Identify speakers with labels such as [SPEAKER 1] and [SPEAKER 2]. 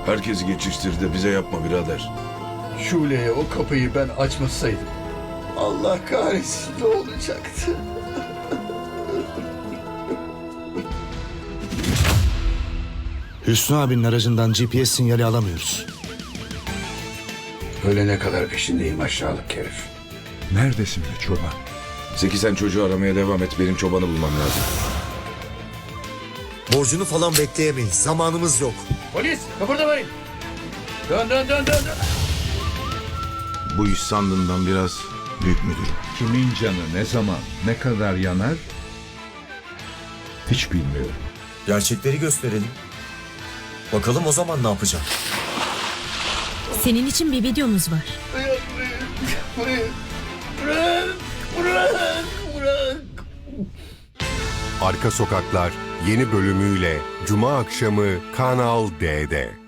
[SPEAKER 1] Herkesi geçiştir de bize yapma birader.
[SPEAKER 2] Şule'ye o kapıyı ben açmasaydım, Allah kahretsin, ne olacaktı?
[SPEAKER 3] Hüsnü abinin aracından GPS sinyali alamıyoruz.
[SPEAKER 2] Ölene kadar peşindeyim aşağılık herif.
[SPEAKER 4] Neredesin be çoban?
[SPEAKER 1] Zeki sen çocuğu aramaya devam et. Benim çobanı bulmam lazım.
[SPEAKER 5] Borcunu falan bekleyemeyiz. Zamanımız yok.
[SPEAKER 2] Polis, kıpırdamayın. Dön.
[SPEAKER 6] Bu iş sandığından biraz büyük müdürüm.
[SPEAKER 4] Kimin canı ne zaman, ne kadar yanar hiç bilmiyorum.
[SPEAKER 5] Gerçekleri gösterelim. Bakalım o zaman ne yapacak?
[SPEAKER 7] Senin için bir videomuz var.
[SPEAKER 2] Bırak.
[SPEAKER 8] Arka Sokaklar yeni bölümüyle Cuma akşamı Kanal D'de.